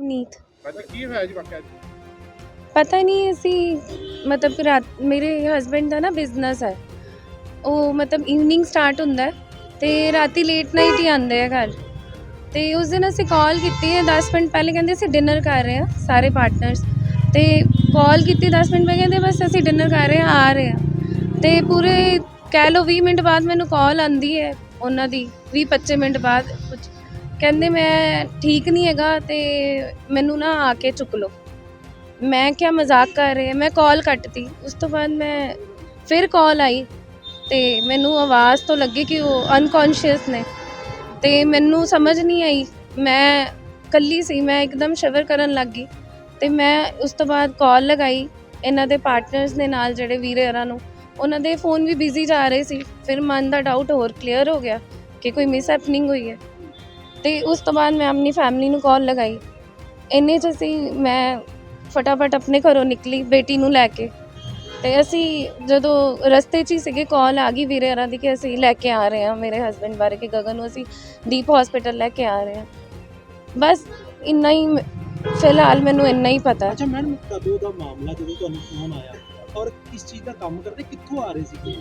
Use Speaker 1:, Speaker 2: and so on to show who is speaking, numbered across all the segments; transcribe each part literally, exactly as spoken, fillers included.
Speaker 1: ਨਵਨੀਤ।
Speaker 2: ਕੀ ਹੋਇਆ ਜੀ ਵਾਕਿਆ?
Speaker 1: ਪਤਾ ਨਹੀਂ ਅਸੀਂ ਮਤਲਬ ਕਿ ਰਾਤ ਮੇਰੇ ਹਸਬੈਂਡ ਦਾ ਨਾ ਬਿਜ਼ਨਸ ਹੈ, ਉਹ ਮਤਲਬ ਈਵਨਿੰਗ ਸਟਾਰਟ ਹੁੰਦਾ ਹੈ ਅਤੇ ਰਾਤੀ ਲੇਟ ਨਾਈਟ ਹੀ ਆਉਂਦੇ ਆ ਘਰ। ਅਤੇ ਉਸ ਦਿਨ ਅਸੀਂ ਕਾਲ ਕੀਤੀ ਹੈ ਦਸ ਮਿੰਟ ਪਹਿਲੇ, ਕਹਿੰਦੇ ਅਸੀਂ ਡਿਨਰ ਕਰ ਰਹੇ ਹਾਂ ਸਾਰੇ ਪਾਰਟਨਰਸ। ਅਤੇ ਕਾਲ ਕੀਤੀ ਦਸ ਮਿੰਟ ਪਹਿਲੇ, ਕਹਿੰਦੇ ਬਸ ਅਸੀਂ ਡਿਨਰ ਕਰ ਰਹੇ ਹਾਂ, ਆ ਰਹੇ ਹਾਂ। ਅਤੇ ਪੂਰੇ ਕਹਿ ਲਓ ਵੀਹ ਮਿੰਟ ਬਾਅਦ ਮੈਨੂੰ ਕਾਲ ਆਉਂਦੀ ਹੈ ਉਹਨਾਂ ਦੀ, ਵੀਹ ਪੱਚੀ ਮਿੰਟ ਬਾਅਦ ਕੁਝ ਕਹਿੰਦੇ ਮੈਂ ਠੀਕ ਨਹੀਂ ਹੈਗਾ ਅਤੇ ਮੈਨੂੰ ਨਾ ਆ ਕੇ ਚੁੱਕ ਲਓ। ਮੈਂ ਕਿਹਾ ਮਜ਼ਾਕ ਕਰ ਰਹੇ, ਮੈਂ ਕਾਲ ਕੱਟਤੀ। ਉਸ ਤੋਂ ਬਾਅਦ ਮੈਂ ਫਿਰ ਕਾਲ ਆਈ ਅਤੇ ਮੈਨੂੰ ਆਵਾਜ਼ ਤੋਂ ਲੱਗੀ ਕਿ ਉਹ ਅਨਕੌਂਸ਼ੀਅਸ ਨੇ, ਅਤੇ ਮੈਨੂੰ ਸਮਝ ਨਹੀਂ ਆਈ। ਮੈਂ ਇਕੱਲੀ ਸੀ, ਮੈਂ ਇੱਕਦਮ ਸ਼ਿਵਰ ਕਰਨ ਲੱਗ ਗਈ। ਅਤੇ ਮੈਂ ਉਸ ਤੋਂ ਬਾਅਦ ਕਾਲ ਲਗਾਈ ਇਹਨਾਂ ਦੇ ਪਾਰਟਨਰਸ ਦੇ ਨਾਲ, ਜਿਹੜੇ ਵੀਰੇ ਹੋਰਾਂ ਨੂੰ, ਉਹਨਾਂ ਦੇ ਫ਼ੋਨ ਵੀ ਬਿਜ਼ੀ ਜਾ ਰਹੇ ਸੀ। ਫਿਰ ਮਨ ਦਾ ਡਾਊਟ ਹੋਰ ਕਲੀਅਰ ਹੋ ਗਿਆ ਕਿ ਕੋਈ ਮਿਸ ਹੈਪਨਿੰਗ ਹੋਈ ਹੈ। ਅਤੇ ਉਸ ਤੋਂ ਬਾਅਦ ਮੈਂ ਆਪਣੀ ਫੈਮਿਲੀ ਨੂੰ ਕਾਲ ਲਗਾਈ। ਇੰਨੇ 'ਚ ਅਸੀਂ ਮੈਂ ਫਟਾਫਟ ਆਪਣੇ ਘਰੋਂ ਨਿਕਲੀ ਬੇਟੀ ਨੂੰ ਲੈ ਕੇ, ਅਤੇ ਅਸੀਂ ਜਦੋਂ ਰਸਤੇ 'ਚ ਹੀ ਸੀਗੇ, ਕਾਲ ਆ ਗਈ ਵੀਰੇ ਹੋਰਾਂ ਦੀ ਕਿ ਅਸੀਂ ਲੈ ਕੇ ਆ ਰਹੇ ਹਾਂ ਮੇਰੇ ਹਸਬੈਂਡ ਬਾਰੇ, ਕਿ ਗਗਨ ਨੂੰ ਅਸੀਂ ਦੀਪ ਹੌਸਪੀਟਲ ਲੈ ਕੇ ਆ ਰਹੇ ਹਾਂ। ਬਸ ਇੰਨਾ ਹੀ ਫਿਲਹਾਲ ਮੈਨੂੰ ਇੰਨਾ ਹੀ ਪਤਾ।
Speaker 3: ਅੱਛਾ ਮੈਡਮ, ਕਦੋਂ ਦਾ ਮਾਮਲਾ ਜਦੋਂ ਤੁਹਾਨੂੰ ਫੋਨ ਆਇਆ ਔਰ ਕਿਸ ਚੀਜ਼ ਦਾ ਕੰਮ ਕਰਦੇ, ਕਿੱਥੋਂ ਆ ਰਹੇ ਸੀਗੇ?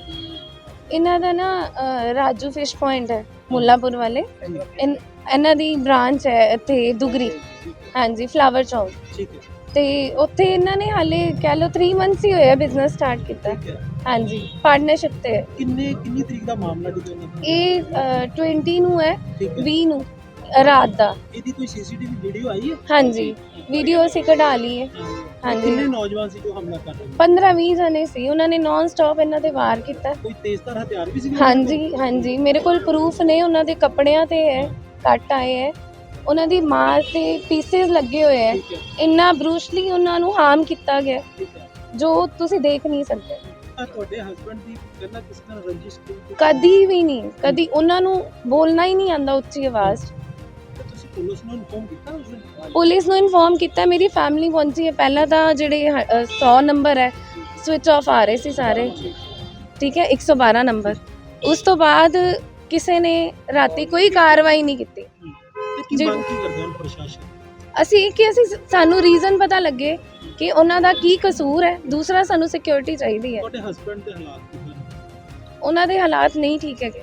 Speaker 1: ਇਹਨਾਂ ਦਾ ਨਾ ਅ, ਰਾਜੂ ਫਿਸ਼ ਪੁਆਇੰਟ ਹੈ ਮੁੱਲਾਂਪੁਰ ਵਾਲੇ, ਇਨ ਇਹਨਾਂ ਦੀ ਬ੍ਰਾਂਚ ਹੈ ਇੱਥੇ ਦੁਗਰੀ, ਹਾਂਜੀ ਫਲਾਵਰ ਚੌਂਕ।
Speaker 3: ਠੀਕ ਹੈ,
Speaker 1: ਅਤੇ ਉੱਥੇ ਇਹਨਾਂ ਨੇ ਹਾਲੇ ਕਹਿ ਲਓ ਥ੍ਰੀ ਮੰਥਸ ਹੀ ਹੋਏ ਆ ਬਿਜ਼ਨਸ ਸਟਾਰਟ ਕੀਤਾ।
Speaker 3: ਠੀਕ ਹੈ।
Speaker 1: ਹਾਂਜੀ ਪਾਰਟਨਰਸ਼ਿਪ 'ਤੇ ਹੈ।
Speaker 3: ਕਿੰਨੇ ਕਿੰਨੀ ਤਰੀਕ ਦਾ ਮਾਮਲਾ ਜਦੋਂ ਇਹਨਾਂ ਦਾ?
Speaker 1: ਇਹ ਟਵੈਂਟੀ ਨੂੰ ਹੈ,
Speaker 3: ਠੀਕ ਹੈ।
Speaker 1: ਵੀਹ ਨੂੰ ਰਾਤ ਦਾ।
Speaker 3: ਇਹਦੀ ਕੋਈ ਸੀਸੀਟੀਵੀ ਵੀਡੀਓ ਆਈ ਹੈ?
Speaker 1: ਹਾਂਜੀ ਵੀਡੀਓ ਅਸੀਂ ਕਢਾ ਲਈ ਹੈ। ਹਾਂਜੀ
Speaker 3: ਕਿੰਨੇ ਨੌਜਵਾਨ ਸੀ ਜੋ ਹਮਲਾ ਕਰ ਰਹੇ ਨੇ?
Speaker 1: ਪੰਦਰਾਂ ਵੀਹ ਜਣੇ ਸੀ, ਉਹਨਾਂ ਨੇ ਨੌਨ ਸਟਾਪ ਇਹਨਾਂ 'ਤੇ ਵਾਰ ਕੀਤਾ।
Speaker 3: ਕੋਈ ਤੇਜ਼ਧਾਰ ਹਥਿਆਰ ਵੀ ਸੀ?
Speaker 1: ਹਾਂਜੀ ਹਾਂਜੀ ਮੇਰੇ ਕੋਲ ਪ੍ਰੂਫ ਨੇ, ਉਹਨਾਂ ਦੇ ਕੱਪੜਿਆਂ 'ਤੇ ਹੈ ਕੱਟ ਆਏ ਹੈ, ਉਹਨਾਂ ਦੀ ਮਾਂ 'ਤੇ ਪੀਸਿਸ ਲੱਗੇ ਹੋਏ ਹੈ।
Speaker 3: ਠੀਕ ਹੈ,
Speaker 1: ਇੰਨਾ ਬਰੂਸ਼ਲੀ ਉਹਨਾਂ ਨੂੰ ਹਾਰਮ ਕੀਤਾ ਗਿਆ
Speaker 3: ਠੀਕ ਹੈ।
Speaker 1: ਜੋ ਤੁਸੀਂ ਦੇਖ ਨਹੀਂ ਸਕਦੇ।
Speaker 3: ਤਾਂ ਤੁਹਾਡੇ ਹਸਬੰਡ ਦੀ ਪਹਿਲਾਂ ਕਿਸ ਨਾਲ ਰੰਜਿਸ਼ ਕੋਈ?
Speaker 1: ਕਦੀ ਵੀ ਨਹੀਂ, ਕਦੀ ਉਹਨਾਂ ਨੂੰ ਬੋਲਣਾ ਹੀ ਨਹੀਂ ਆਉਂਦਾ ਉੱਚੀ ਆਵਾਜ਼ 'ਚ।
Speaker 3: ਤਾਂ ਤੁਸੀਂ ਪੁਲਿਸ ਨੂੰ ਇਨਫੋਰਮ ਕੀਤਾ ਉਸ ਦਿਨ?
Speaker 1: ਪੁਲਿਸ ਨੂੰ ਇਨਫੋਰਮ ਕੀਤਾ, ਮੇਰੀ ਫੈਮਿਲੀ ਪਹੁੰਚੀ ਹੈ। ਪਹਿਲਾਂ ਤਾਂ ਜਿਹੜੇ ਸੌ ਨੰਬਰ ਹੈ ਸਵਿਚ ਆਫ ਆ ਰਹੇ ਸੀ ਸਾਰੇ, ਠੀਕ ਹੈ, ਇੱਕ ਸੌ ਬਾਰਾਂ ਨੰਬਰ। ਉਸ ਤੋਂ ਬਾਅਦ ਕਿਸੇ ਨੇ ਰਾਤੀ ਕੋਈ ਕਾਰਵਾਈ ਨਹੀਂ ਕੀਤੀ।
Speaker 3: ਤੇ ਕੀ
Speaker 1: ਜੀ।
Speaker 3: ਮੰਗ ਕੀ ਕਰਦੇ ਹਨ ਪ੍ਰਸ਼ਾਸਨ?
Speaker 1: ਅਸੀਂ ਕਿ ਅਸੀਂ ਸਾਨੂੰ ਰੀਜ਼ਨ ਪਤਾ ਲੱਗੇ ਕਿ ਉਹਨਾਂ ਦਾ ਕੀ ਕਸੂਰ ਹੈ। ਦੂਸਰਾ ਸਾਨੂੰ ਸਿਕਿਉਰਿਟੀ ਚਾਹੀਦੀ ਹੈ।
Speaker 3: ਤੁਹਾਡੇ ਹਸਬੰਡ ਦੇ ਹਾਲਾਤ ਕਿਵੇਂ ਨੇ?
Speaker 1: ਉਹਨਾਂ ਦੇ ਹਾਲਾਤ ਨਹੀਂ ਠੀਕ ਹੈਗੇ।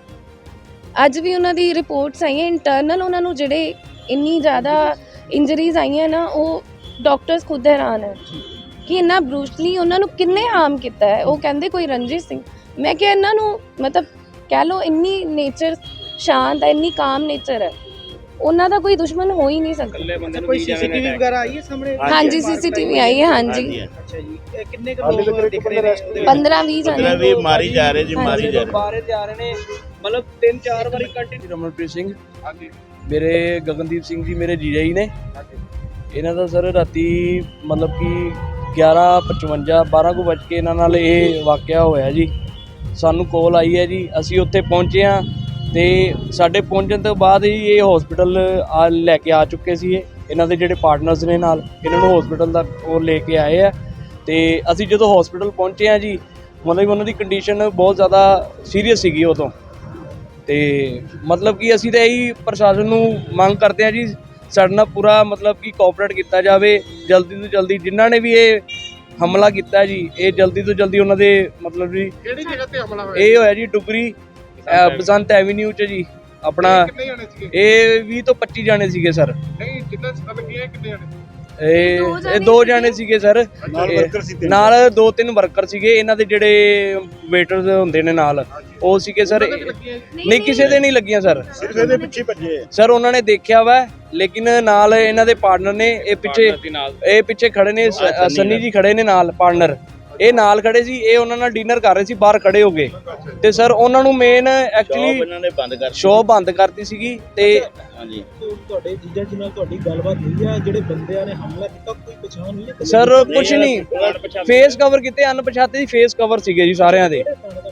Speaker 1: ਅੱਜ ਵੀ ਉਹਨਾਂ ਦੀ ਰਿਪੋਰਟਸ ਆਈਆਂ ਇੰਟਰਨਲ, ਉਹਨਾਂ ਨੂੰ ਜਿਹੜੇ ਇੰਨੀ ਜ਼ਿਆਦਾ ਇੰਜਰੀਜ਼ ਆਈਆਂ ਨਾ, ਉਹ ਡਾਕਟਰਸ ਖੁਦ ਹੈਰਾਨ ਹੈ ਕਿ ਇੰਨਾ ਬਰੂਸ਼ਲੀ ਉਹਨਾਂ ਨੂੰ ਕਿੰਨੇ ਹਾਰਮ ਕੀਤਾ ਹੈ। ਉਹ ਕਹਿੰਦੇ ਕੋਈ ਰੰਜਿਸ਼ ਸਿੰਘ। ਮੈਂ ਕਿਹਾ ਇਹਨਾਂ ਨੂੰ ਮਤਲਬ ਕਹਿ ਲਓ ਇੰਨੀ ਨੇਚਰ ਸ਼ਾਂਤ ਹੈ, ਇੰਨੀ ਕਾਮ ਨੇਚਰ ਹੈ, ਉਹਨਾਂ ਦਾ ਕੋਈ ਦੁਸ਼ਮਣ ਹੋ ਹੀ ਨਹੀਂ ਸਕਦਾ।
Speaker 3: ਕੋਈ ਸੀਸੀਟੀਵੀ ਵਗੈਰਾ ਆਈ ਹੈ ਸਾਹਮਣੇ?
Speaker 1: ਹਾਂਜੀ ਸੀਸੀਟੀਵੀ ਆਈ ਹੈ। ਹਾਂਜੀ
Speaker 3: ਅੱਛਾ ਜੀ, ਇਹ ਕਿੰਨੇ ਕੁ ਲੋਕ ਦਿਖ ਰਹੇ ਨੇ?
Speaker 1: ਪੰਦਰਾਂ ਵੀਹ ਜਣੇ
Speaker 4: ਵੀ ਮਾਰੀ ਜਾ ਰਹੇ ਜੀ, ਮਾਰੀ ਜਾ ਰਹੇ।
Speaker 3: ਬਾਹਰ ਜਾ ਰਹੇ ਨੇ, ਮਤਲਬ ਤਿੰਨ ਚਾਰ ਵਾਰੀ ਕੰਟੀਨਿਊ।
Speaker 5: ਰਮਨਪ੍ਰੀਤ ਸਿੰਘ,
Speaker 2: ਹਾਂਜੀ
Speaker 5: ਮੇਰੇ ਗਗਨਦੀਪ ਸਿੰਘ ਜੀ ਮੇਰੇ ਜੀਜਾ ਜੀ ਨੇ। ਇਹਨਾਂ ਦਾ ਸਰ ਰਾਤੀ ਮਤਲਬ ਕਿ ਗਿਆਰਾਂ ਪਚਵੰਜਾ ਬਾਰਾਂ ਕੁ ਵੱਜ ਕੇ ਇਹਨਾਂ ਨਾਲ ਇਹ ਵਾਕਿਆ ਹੋਇਆ ਜੀ। ਸਾਨੂੰ ਕੋਲ ਆਈ ਹੈ ਜੀ, ਅਸੀਂ ਉੱਥੇ ਪਹੁੰਚੇ ਹਾਂ ਅਤੇ ਸਾਡੇ ਪਹੁੰਚਣ ਤੋਂ ਬਾਅਦ ਹੀ ਇਹ ਹੌਸਪੀਟਲ ਆ ਲੈ ਕੇ ਆ ਚੁੱਕੇ ਸੀ। ਇਹ ਇਹਨਾਂ ਦੇ ਜਿਹੜੇ ਪਾਰਟਨਰਸ ਨੇ ਨਾਲ, ਇਹਨਾਂ ਨੂੰ ਹੌਸਪੀਟਲ ਦਾ ਉਹ ਲੈ ਕੇ ਆਏ ਆ। ਅਤੇ ਅਸੀਂ ਜਦੋਂ ਹੌਸਪੀਟਲ ਪਹੁੰਚੇ ਹਾਂ ਜੀ, ਮਤਲਬ ਉਹਨਾਂ ਦੀ ਕੰਡੀਸ਼ਨ ਬਹੁਤ ਜ਼ਿਆਦਾ ਸੀਰੀਅਸ ਸੀਗੀ ਉਦੋਂ। ਅਤੇ ਮਤਲਬ ਕਿ ਅਸੀਂ ਤਾਂ ਇਹੀ ਪ੍ਰਸ਼ਾਸਨ ਨੂੰ ਮੰਗ ਕਰਦੇ ਹਾਂ ਜੀ, ਸਾਡੇ ਨਾਲ ਪੂਰਾ ਮਤਲਬ ਕਿ ਕੋਆਪਰੇਟ ਕੀਤਾ ਜਾਵੇ। ਜਲਦੀ ਤੋਂ ਜਲਦੀ ਜਿਨ੍ਹਾਂ ਨੇ ਵੀ ਇਹ ਹਮਲਾ ਕੀਤਾ ਜੀ, ਇਹ ਜਲਦੀ ਤੋਂ ਜਲਦੀ ਉਹਨਾਂ ਦੇ ਮਤਲਬ ਜੀ।
Speaker 2: ਕਿਹੜੀ ਜਗ੍ਹਾ ਤੇ ਹਮਲਾ ਹੋਇਆ?
Speaker 5: ਇਹ ਹੋਇਆ ਜੀ ਡੁਗਰੀ ਬਸੰਤ ਐਵੀਨਿਊ 'ਚ ਜੀ ਆਪਣਾ।
Speaker 2: ਕਿੰਨੇ ਜਣੇ ਸੀਗੇ?
Speaker 5: ਇਹ ਵੀਹ ਤੋਂ ਪੱਚੀ ਜਾਣੇ ਸੀਗੇ ਸਰ।
Speaker 2: ਨਹੀਂ ਜਿੱਦਾਂ ਸਭ ਲੱਗੇ ਕਿੰਨੇ ਜਣੇ?
Speaker 5: ਇਹ ਇਹ ਦੋ ਜਾਣੇ ਸੀਗੇ ਸਰ, ਇਹ ਨਾਲ ਦੋ ਤਿੰਨ ਵਰਕਰ ਸੀਗੇ ਇਹਨਾਂ ਦੇ ਜਿਹੜੇ ਵੇਟਰਸ ਹੁੰਦੇ ਨੇ ਨਾਲ, ਉਹ ਸੀਗੇ ਸਰ। ਨਹੀਂ ਕਿਸੇ ਦੇ ਨਹੀਂ ਲੱਗੀਆਂ ਸਰ,
Speaker 4: ਸਿਰਫ ਇਹਦੇ ਪਿੱਛੇ ਭੱਜੇ
Speaker 5: ਸਰ ਉਹਨਾਂ ਨੇ ਦੇਖਿਆ ਵਾ, ਲੇਕਿਨ ਨਾਲ ਇਹਨਾਂ ਦੇ ਪਾਰਟਨਰ ਨੇ, ਇਹ ਪਿੱਛੇ ਇਹ ਪਿੱਛੇ ਖੜੇ ਨੇ, ਸੰਨੀ ਜੀ ਖੜੇ ਨੇ ਨਾਲ, ਪਾਰਟਨਰ ਇਹ ਨਾਲ ਖੜੇ ਸੀ। ਇਹ ਉਹਨਾਂ ਨਾਲ ਡਿਨਰ ਕਰ ਰਹੇ ਸੀ, ਬਾਹਰ ਖੜੇ ਹੋ ਗਏ। ਤੇ ਸਰ ਉਹਨਾਂ ਨੂੰ ਮੇਨ ਐਕਚੁਅਲੀ
Speaker 4: ਇਹਨਾਂ ਨੇ ਬੰਦ ਕਰ
Speaker 5: ਸ਼ੋਅ ਬੰਦ ਕਰਤੀ ਸੀਗੀ। ਤੇ
Speaker 4: ਹਾਂਜੀ
Speaker 3: ਤੁਹਾਡੇ ਜੀਜਾ ਜੀ ਨਾਲ ਤੁਹਾਡੀ ਗੱਲਬਾਤ ਹੋਈ ਆ? ਜਿਹੜੇ ਬੰਦਿਆਂ ਨੇ ਹਮਲਾ ਕੀਤਾ ਕੋਈ ਪਛਾਣ ਹੋਈ ਹੈ?
Speaker 5: ਸਰ ਕੁਛ ਨਹੀਂ, ਫੇਸ ਕਵਰ ਕੀਤੇ, ਅਣਪਛਾਤੇ ਦੀ ਫੇਸ ਕਵਰ ਸੀਗੇ ਜੀ ਸਾਰਿਆਂ ਦੇ।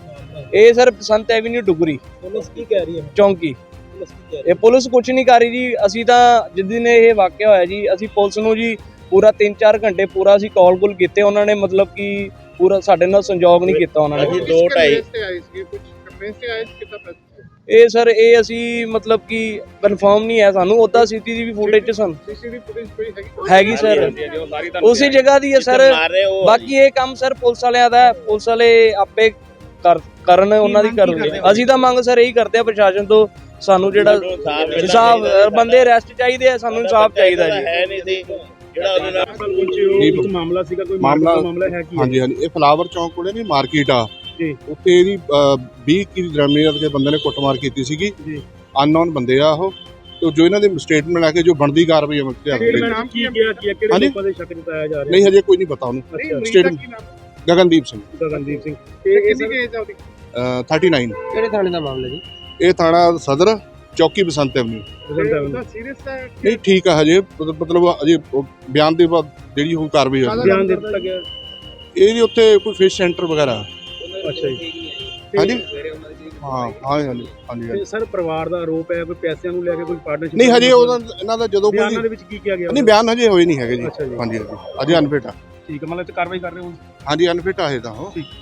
Speaker 5: ਇਹ sir Basant avenue Dugri
Speaker 3: police ਕੀ ਕਹਿ ਰਹੀ ਹੈ?
Speaker 5: ਚੌਂਕੀ।
Speaker 3: ਪੁਲਿਸ ਕੀ ਕਹਿ ਰਹੀ
Speaker 5: ਇਹ ਪੁਲਿਸ ਕੁਛ ਨਹੀਂ ਕਰ ਰਹੀ ਜੀ। ਅਸੀਂ ਤਾਂ ਜਿਸ ਦਿਨ ਇਹ ਵਾਕਿਆ ਹੋਇਆ ਜੀ, ਅਸੀਂ ਪੁਲਿਸ ਨੂੰ ਜੀ ਪੂਰਾ ਤਿੰਨ ਚਾਰ ਘੰਟੇ ਪੂਰਾ ਅਸੀਂ ਕਾਲ ਕੁਲ ਕੀਤੇ। ਉਹਨਾਂ ਨੇ ਮਤਲਬ ਕਿ ਪੂਰਾ ਸਾਡੇ ਨਾਲ ਸੰਯੋਗ ਨਹੀਂ ਕੀਤਾ ਉਹਨਾਂ ਨੇ।
Speaker 4: ਦੋ ਢਾਈ
Speaker 2: ਤੇ ਆਏ ਸੀ ਕੁਝ ਕਮਰੇ ਤੇ ਆਏ ਸੀ ਕਿਤਾ?
Speaker 5: ਇਹ ਸਰ ਇਹ ਅਸੀਂ ਮਤਲਬ ਕਿ ਕਨਫਰਮ ਨਹੀਂ ਹੈ ਸਾਨੂੰ, ਉੱਦਾਂ ਸੀਸੀਟੀਵੀ ਫੁਟੇਜ ਚ ਸਾਨੂੰ
Speaker 2: ਸੀਸੀਟੀਵੀ ਫੁਟੇਜ ਕੋਈ ਹੈਗੀ?
Speaker 5: ਹੈਗੀ ਸਰ, ਉਸੇ ਜਗ੍ਹਾ ਦੀ ਹੈ ਸਰ। ਬਾਕੀ ਇਹ ਕੰਮ ਸਰ ਪੁਲਿਸ ਵਾਲਿਆਂ ਦਾ ਹੈ, ਪੁਲਿਸ ਵਾਲੇ ਆਪੇ ਕਰ ਕਰਨ ਉਹਨਾਂ ਦੀ ਕਰਨਗੇ। ਅਸੀਂ ਤਾਂ ਮੰਗ ਸਰ ਇਹੀ ਕਰਦੇ ਆ ਪ੍ਰਸ਼ਾਸਨ ਤੋਂ, ਸਾਨੂੰ ਜਿਹੜਾ ਇਨਸਾਫ, ਬੰਦੇ ਅਰੈਸਟ ਚਾਹੀਦੇ ਆ, ਸਾਨੂੰ ਇਨਸਾਫ ਚਾਹੀਦਾ ਜੀ।
Speaker 4: ਹੈ ਨਹੀਂ ਸੀ ਜਿਹੜਾ ਉਹਦੇ ਨਾਲ
Speaker 3: ਪਹੁੰਚੇ ਹੋ,
Speaker 6: ਨਹੀਂ,
Speaker 3: ਇੱਕ ਮਾਮਲਾ ਸੀਗਾ, ਕੋਈ
Speaker 6: ਮਾਮਲਾ-
Speaker 3: ਮਾਮਲਾ ਮਾਮਲਾ ਹੈ ਕੀ ਹੈ?
Speaker 6: ਹਾਂਜੀ ਹਾਂਜੀ ਇਹ ਫਲਾਵਰ ਚੌਂਕ ਕੋਲੇ ਨਹੀਂ ਮਾਰਕੀਟ ਆ
Speaker 3: ਜੀ।
Speaker 6: ਉੱਥੇ ਇਹਦੀ ਵੀਹ ਕੀ ਦਰਮਿਆਨ ਦੇ ਬੰਦੇ ਨੇ ਕੁੱਟਮਾਰ ਕੀਤੀ ਸੀਗੀ
Speaker 3: ਜੀ।
Speaker 6: ਅਨਨੋਨ ਬੰਦੇ ਆ ਉਹ, ਤੇ ਜੋ ਇਹਨਾਂ ਦੇ ਸਟੇਟਮੈਂਟ ਲੈ ਕੇ ਜੋ ਬਣਦੀ ਕਾਰਵਾਈ ਅਮਲ ਚ ਲਿਆਂਦੀ ਗਈ।
Speaker 3: ਨਾਮ ਕੀ ਗਿਆ ਕੀ ਹੈ, ਕਿਹੜੇ
Speaker 6: ਹਾਂਜੀ?
Speaker 3: ਲੋਕਾਂ ਦੇ ਸ਼ੱਕ ਜਤਾਇਆ ਜਾ ਰਿਹਾ?
Speaker 6: ਨਹੀਂ ਹਜੇ ਕੋਈ ਨਹੀਂ ਪਤਾ ਉਹਨੂੰ।
Speaker 2: ਨਹੀਂ,
Speaker 3: ਅੱਛਾ,
Speaker 2: ਮਰੀਜ਼ ਦਾ
Speaker 6: ਸਟੇਟ-
Speaker 2: ਕੀ ਨਾਮ?
Speaker 6: ਗਗਨਦੀਪ ਸਿੰਘ
Speaker 3: ਗਗਨਦੀਪ ਸਿੰਘ।
Speaker 2: ਤੇ ਕਿੰਨੀ ਕੁ ਏਜ ਆ ਉਹਦੀ?
Speaker 6: Thirty nine.
Speaker 3: ਕਿਹੜੇ ਥਾਣੇ ਦਾ ਮਾਮਲਾ ਜੀ?
Speaker 6: ਇਹ ਥਾਣਾ ਸਦਰ ਚੌਕੀ ਬਸੰਤ ਐਵਨਿਊ।
Speaker 2: ਤੇ ਉਹਦਾ ਸੀਰੀਅਸ ਹੈ?
Speaker 6: ਨਹੀਂ ਠੀਕ ਆ ਹਜੇ, ਮਤਲਬ ਮਤਲਬ ਅਜੇ ਉਹ ਬਿਆਨ ਦੇ ਬਾਅਦ ਜਿਹੜੀ ਹੁਣ ਕਾਰਵਾਈ ਹੋਈ
Speaker 3: ਬਿਆਨ ਦੇ ਦਿੱਤਾ ਗਿਆ।
Speaker 6: ਇਹਦੀ ਉੱਥੇ ਕੋਈ ਫਿਸ਼ ਸੈਂਟਰ ਵਗੈਰਾ।
Speaker 3: ਅੱਛਾ ਜੀ।
Speaker 6: ਹਾਂਜੀ ਹਾਂ ਹਾਂ ਹਾਂਜੀ ਹਾਂਜੀ
Speaker 3: ਤੇ ਸਰ ਪਰਿਵਾਰ ਦਾ ਆਰੋਪ ਹੈ ਕੋਈ ਪੈਸਿਆਂ ਨੂੰ ਲੈ ਕੇ ਕੋਈ ਪਾਰਟਨਰਸ਼ਿਪ?
Speaker 6: ਨਹੀਂ ਹਜੇ ਉਹਦਾ ਇਹਨਾਂ ਦਾ ਜਦੋਂ
Speaker 3: ਬਿਆਨਾਂ
Speaker 6: ਕੋਈ
Speaker 3: ਦੇ ਵਿੱਚ ਕੀ ਕਿਹਾ ਗਿਆ?
Speaker 6: ਨਹੀਂ ਬਿਆਨ ਹਜੇ ਹੋਏ ਨਹੀਂ ਹੈਗੇ ਜੀ।
Speaker 3: ਅੱਛਾ ਜੀ।
Speaker 6: ਹਾਂਜੀ ਹਾਂਜੀ ਅਜੇ ਅਨਫਿਟ ਆ।
Speaker 3: ਠੀਕ ਹੈ, ਮਤਲਬ ਤੇ ਕਾਰਵਾਈ ਕਰ ਰਹੇ ਹੋ?
Speaker 6: ਹਾਂਜੀ ਅਨਫਿਟ ਆ ਇਹ ਤਾਂ ਉਹ।
Speaker 3: ਠੀਕ।